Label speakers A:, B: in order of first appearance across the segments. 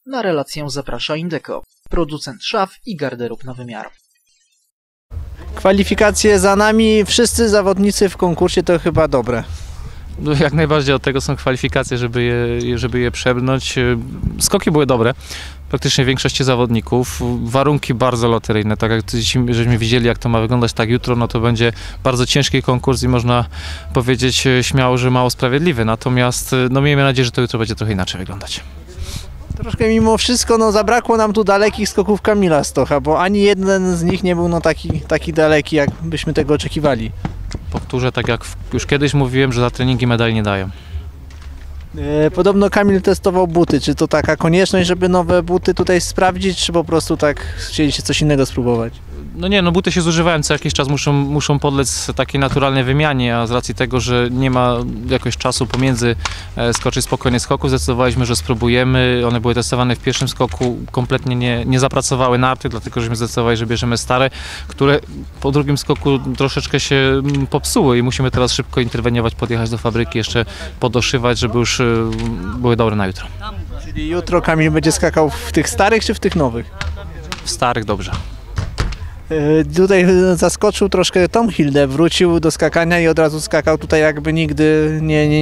A: Na relację zaprasza Indeco, producent szaf i garderób na wymiar.
B: Kwalifikacje za nami, wszyscy zawodnicy w konkursie to chyba dobre.
C: No, jak najbardziej od tego są kwalifikacje, żeby je przebrnąć. Skoki były dobre, praktycznie większości zawodników. Warunki bardzo loteryjne, tak jak żeśmy widzieli, jak to ma wyglądać tak jutro, no to będzie bardzo ciężki konkurs i można powiedzieć śmiało, że mało sprawiedliwy. Natomiast no, miejmy nadzieję, że to jutro będzie trochę inaczej wyglądać.
B: Troszkę mimo wszystko zabrakło nam tu dalekich skoków Kamila Stocha, bo ani jeden z nich nie był taki daleki, jak byśmy tego oczekiwali.
C: Powtórzę, tak jak już kiedyś mówiłem, że za treningi medali nie dają.
B: Podobno Kamil testował buty. Czy to taka konieczność, żeby nowe buty tutaj sprawdzić, czy po prostu tak chcieliście coś innego spróbować?
C: No nie, no buty się zużywają, co jakiś czas muszą podlec takiej naturalnej wymianie, a z racji tego, że nie ma jakoś czasu pomiędzy skoczyć spokojnie skoku, zdecydowaliśmy, że spróbujemy. One były testowane w pierwszym skoku, kompletnie nie zapracowały narty, dlatego żeśmy zdecydowali, że bierzemy stare, które po drugim skoku troszeczkę się popsuły i musimy teraz szybko interweniować, podjechać do fabryki, jeszcze podoszywać, żeby już były dobre na jutro.
B: Czyli jutro Kamil będzie skakał w tych starych czy w tych nowych?
C: W starych dobrze.
B: Tutaj zaskoczył troszkę Tom Hilde, wrócił do skakania i od razu skakał tutaj jakby nigdy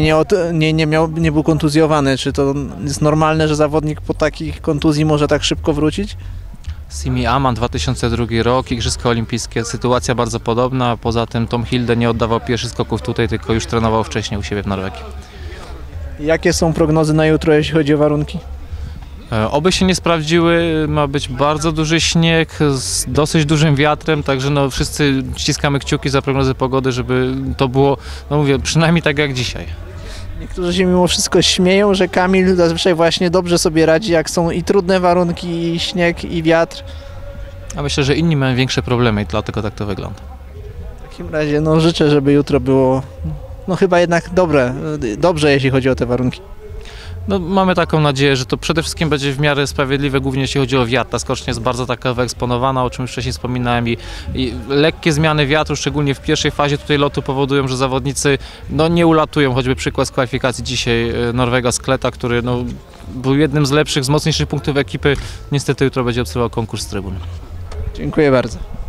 B: nie był kontuzjowany. Czy to jest normalne, że zawodnik po takich kontuzji może tak szybko wrócić?
C: Simi Aman, 2002 rok, Igrzyska Olimpijskie, sytuacja bardzo podobna. Poza tym Tom Hilde nie oddawał pierwszych skoków tutaj, tylko już trenował wcześniej u siebie w Norwegii.
B: Jakie są prognozy na jutro, jeśli chodzi o warunki?
C: Oby się nie sprawdziły, ma być bardzo duży śnieg z dosyć dużym wiatrem, także no wszyscy ściskamy kciuki za prognozy pogody, żeby to było, no mówię, przynajmniej tak jak dzisiaj.
B: Niektórzy się mimo wszystko śmieją, że Kamil zazwyczaj właśnie dobrze sobie radzi, jak są i trudne warunki, i śnieg, i wiatr.
C: A myślę, że inni mają większe problemy i dlatego tak to wygląda.
B: W takim razie życzę, żeby jutro było chyba jednak dobrze, jeśli chodzi o te warunki.
C: No, mamy taką nadzieję, że to przede wszystkim będzie w miarę sprawiedliwe, głównie jeśli chodzi o wiatr. Ta skocznia jest bardzo taka wyeksponowana, o czym już wcześniej wspominałem i lekkie zmiany wiatru, szczególnie w pierwszej fazie tutaj lotu powodują, że zawodnicy nie ulatują. Choćby przykład z kwalifikacji dzisiaj Norwega Skleta, który był jednym z lepszych, z mocniejszych punktów ekipy. Niestety jutro będzie obserwował konkurs z trybun.
B: Dziękuję bardzo.